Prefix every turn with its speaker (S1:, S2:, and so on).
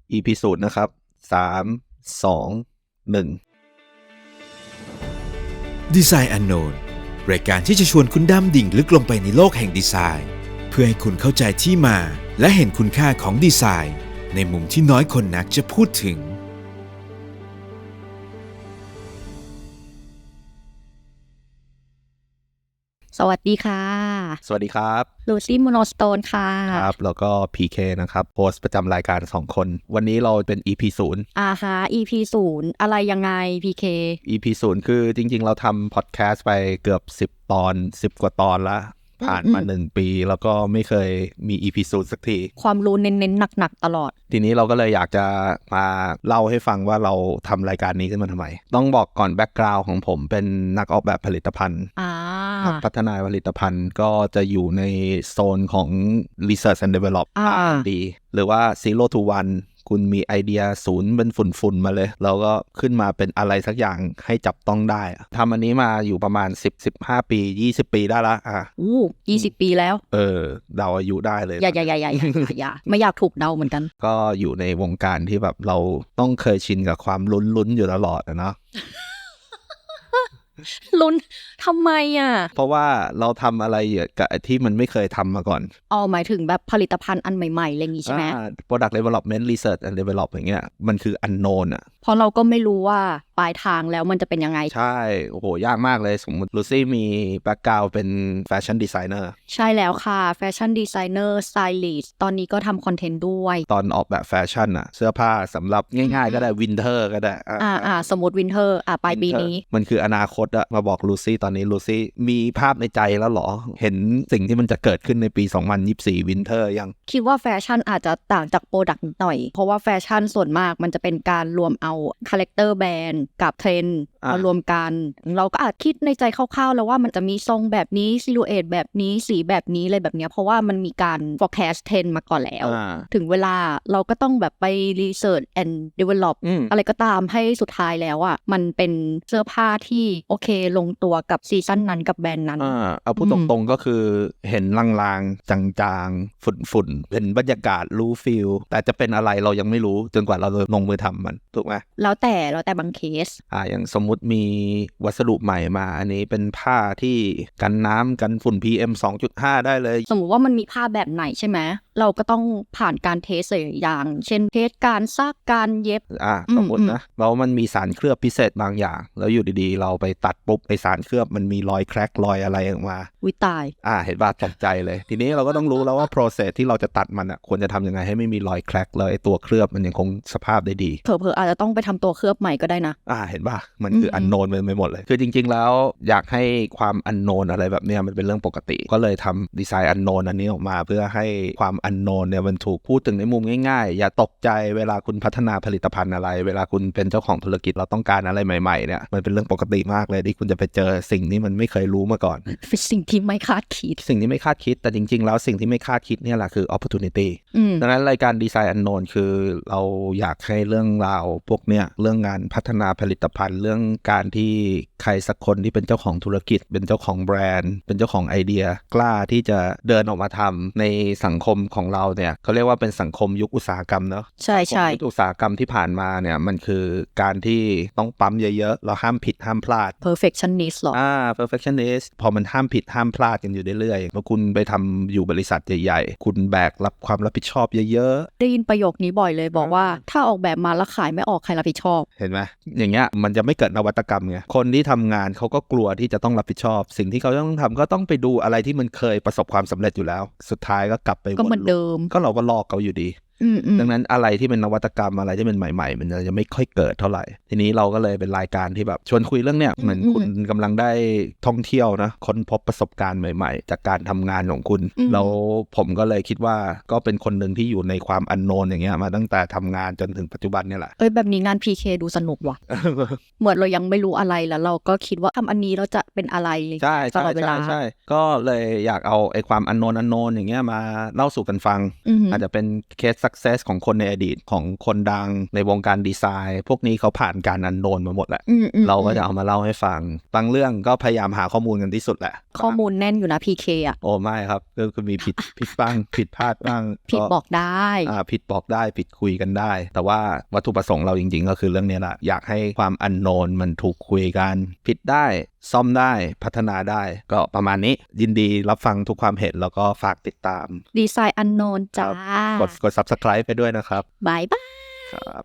S1: EP 0นะครับ3 2 1
S2: Design Unknown รายการที่จะชวนคุณดำดิ่งลึกลงไปในโลกแห่งดีไซน์เพื่อให้คุณเข้าใจที่มาและเห็นคุณค่าของดีไซน์ในมุมที่น้อยคนนักจะพูดถึง
S3: สวัสดีค่ะ
S1: สวัสดีครับ
S3: ลูซี่โมโนสโตนค่ะ
S1: ครับแล้วก็ PK นะครับโฮสต์ประจำรายการ2คนวันนี้เราเป็น EP 0
S3: ฮะ EP 0อะไรยังไง PK
S1: EP 0คือจริงๆเราทำพอดแคสต์ไปเกือบ10 ตอน 10 กว่าตอนละผ่านมา1 ปีแล้วก็ไม่เคยมี EP 0สักที
S3: ความรู้เน้นๆหนักๆตลอด
S1: ทีนี้เราก็เลยอยากจะมาเล่าให้ฟังว่าเราทำรายการนี้ขึ้นมาทำไมต้องบอกก่อนแบ็กกราวด์ของผมเป็นนักออกแบบผลิตภัณฑ์นักพัฒนาผลิตภัณฑ์ก็จะอยู่ในโซนของ Research and Develop R&D หรือว่า Zero to One คุณมีไอเดีย0เป็นฝุ่นๆมาเลยแล้วก็ขึ้นมาเป็นอะไรสักอย่างให้จับต้องได้ทำอันนี้มาอยู่ประมาณ10-15 ปี20 ปีได้ละ
S3: 20 ปีแล้ว
S1: เดาอายุได้เลย
S3: อย่าไม่อยากถูกเดาเหมือนกัน
S1: ก็อยู่ในวงการที่แบบเราต้องเคยชินกับความลุ้นๆอยู่ตลอดนะเนาะ
S3: ลุ้นทำไม
S1: เพราะว่าเราทำอะไรกับที่มันไม่เคยทำมาก่อน
S3: หมายถึงแบบผลิตภัณฑ์อันใหม่ๆอะไรอย่างงี้ใช่ไหม
S1: Product Development Research and Develop อย่างเงี้ยมันคือ unknown
S3: เพราะเราก็ไม่รู้ว่าปลายทางแล้วมันจะเป็นยังไง
S1: ใช่โอ้โหยากมากเลยสมมติลูซี่มีแบ็คกราวด์เป็นแฟชั่นดีไซเนอร์
S3: ใช่แล้วค่ะแฟชั่นดีไซเนอร์สไตลิสต์ตอนนี้ก็ทำคอนเทนต์ด้วย
S1: ตอนออกแบบแฟชั่นเสื้อผ้าสำหรับง่ายๆก็ได้วินเทอร์ก็ได้
S3: สมมติวินเทอร์ปลายปีนี้
S1: มันคืออนาคตมาบอกลูซี่ตอนนี้ลูซี่มีภาพในใจแล้วหรอเห็นสิ่งที่มันจะเกิดขึ้นในปี2024วินเทอร์ยัง
S3: คิดว่าแฟชั่นอาจจะต่างจากโปรดักต์นิดหน่อยเพราะว่าแฟชั่นส่วนมากมันจะเป็นการรวมเอาคาแรคเตอร์แบรนด์กับเทรนด์มารวมกันเราก็อาจคิดในใจคร่าวๆแล้วว่ามันจะมีทรงแบบนี้ซิลูเอทแบบนี้สีแบบนี้อะไรแบบนี้เพราะว่ามันมีการ forecast trend มาก่อนแล้วถึงเวลาเราก็ต้องแบบไป research and develop อะไรก็ตามให้สุดท้ายแล้วมันเป็นเสื้อผ้าที่โอเคลงตัวกับซีซั่นนั้นกับแบรนด์นั้น
S1: เอาพูดตรงๆก็คือเห็นลางๆจางๆฝุ่นๆเป็นบรรยากาศรู้ฟีลแต่จะเป็นอะไรเรายังไม่รู้จนกว่าเราลงมือทำมันถูกไหม
S3: แล้วแต่บางเคส
S1: อย่างสมมุติมีวัสดุใหม่มาอันนี้เป็นผ้าที่กันน้ำกันฝุ่น PM 2.5 ได้เลย
S3: สมมุติว่ามันมีผ้าแบบไหนใช่ไหมเราก็ต้องผ่านการเทสอย่างเช่นเทสการซักการเย็บ
S1: สมมตินะแล้วมันมีสารเคลือบพิเศษบางอย่างแล้วอยู่ดีๆเราไปตัดปุ๊บไอสารเคลือบมันมีรอยแคร็กรอยอะไรออกมา
S3: วิตาย
S1: เห็นว่าตกใจเลยทีนี้เราก็ต้องรู้แล้วว่า process ที่เราจะตัดมันควรจะทำยังไงให้ไม่มีรอยแคร็กแล้วไอตัวเคลือบมันยังคงสภาพได้ดี
S3: เผลอๆอาจจะต้องไปทำตัวเคลือบใหม่ก็ได้นะ
S1: เห็นป่ะมันคืออันโนนไปหมดเลยคือจริงๆแล้วอยากให้ความอันโนนอะไรแบบเนี้ยมันเป็นเรื่องปกติก็เลยทำดีไซน์อันโนนอันนี้ออกมาเพื่อให้ความอันโนนเนี่ยมันถูกพูดถึงในมุมง่ายๆอย่าตกใจเวลาคุณพัฒนาผลิตภัณฑ์อะไรเวลาคุณเป็นเจ้าของธุรกิจเราต้องการอะไรใหม่ๆเนี่ยมันเป็นเรื่องปกติมากเลยที่คุณจะไปเจอสิ่งที่มันไม่เคยรู้มาก่อน
S3: เป็นสิ่งที่ไม่คาดคิด
S1: แต่จริงๆแล้วสิ่งที่ไม่คาดคิดเนี่ยแหละคือ opportunity ดังนั้นรายการดีไซน์อันโนนคือเราอยากให้เรื่องราวพวกเนี้ยเรื่องงานพัฒนาผลิตภัณฑ์เรื่องการที่ใครสักคนที่เป็นเจ้าของธุรกิจเป็นเจ้าของแบรนด์เป็นเจ้าของไอเดียกล้าที่จะเดินออกมาทำในสังคมของเราเนี่ยเขาเรียกว่าเป็นสังคมยุคอุตสาหกรรมเนาะ
S3: ใช่
S1: ยุคอุตสาหกรรมที่ผ่านมาเนี่ยมันคือการที่ต้องปั๊มเยอะๆเราห้ามผิดห้ามพลาด
S3: perfectionist หรอ
S1: perfectionist พอมันห้ามผิดห้ามพลาดกันอยู่เรื่อยๆเมื่อคุณไปทำอยู่บริษัทใหญ่ๆคุณแบกรับความรับผิดชอบเยอะ
S3: ๆได้ยินประโยคนี้บ่อยเลยบอกว่าถ้าออกแบบมาแล้วขายไม่ออกใครรับผิดชอบ
S1: เห็นไหมอย่างเงี้ยมันจะไม่เกิดนวัตกรรมไงคนที่ทำงานเขาก็กลัวที่จะต้องรับผิดชอบสิ่งที่เขาต้องทำก็ต้องไปดูอะไรที่มันเคยประสบความสำเร็จอยู่แล้วสุดท้ายก็กลับไป
S3: ก็เหมือนเดิม
S1: ก็เราก็ลอกเขาอยู่ดีดังนั้นอะไรที่เป็นนวัตกรรมอะไรที่เป็นใหม่ๆมันจะไม่ค่อยเกิดเท่าไหร่ทีนี้เราก็เลยเป็นรายการที่แบบชวนคุยเรื่องเนี้ยเหมือนคุณกำลังได้ท่องเที่ยวนะค้นพบประสบการณ์ใหม่ๆจากการทำงานของคุณแล้วผมก็เลยคิดว่าก็เป็นคนหนึ่งที่อยู่ในความอันโนนอย่างเงี้ยมาตั้งแต่ทำงานจนถึงปัจจุบันเนี่ยแหละ
S3: แบบนี้งาน PK ดูสนุกว่ะ เหมือนเรายังไม่รู้อะไรแล้วเราก็คิดว่าทำอันนี้เราจะเป็นอะไรตลอดเวลา
S1: ใช่ก็เลยอยากเอาไอ้ความอันโนนอย่างเงี้ยมาเล่าสู่กันฟังอาจจะเป็นเคสส success ของคนในอดีตของคนดังในวงการดีไซน์พวกนี้เขาผ่านการอันโนนมาหมดแหละเราก็จะเอามาเล่าให้ฟังบางเรื่องก็พยายามหาข้อมูลกันที่สุดแหละ
S3: ข้อมูลแน่นอยู่นะ PK อ่ะ
S1: โอ้ไม่ครับก็มีผิดบ้างผิดพลาดบ้าง
S3: ผิดบอกได้
S1: ผิดบอกได้ผิดคุยกันได้แต่ว่าวัตถุประสงค์เราจริงๆก็คือเรื่องนี้แหละอยากให้ความอันโนนมันถูกคุยกันผิดได้ซ่อมได้พัฒนาได้ก็ประมาณนี้ยินดีรับฟังทุกความเห็นแล้วก็ฝากติดตาม
S3: ดีไซน์อันโนนจ้าก
S1: ด Subscribe ไปด้วยนะครับ
S3: บ๊ายบาย
S1: ครับ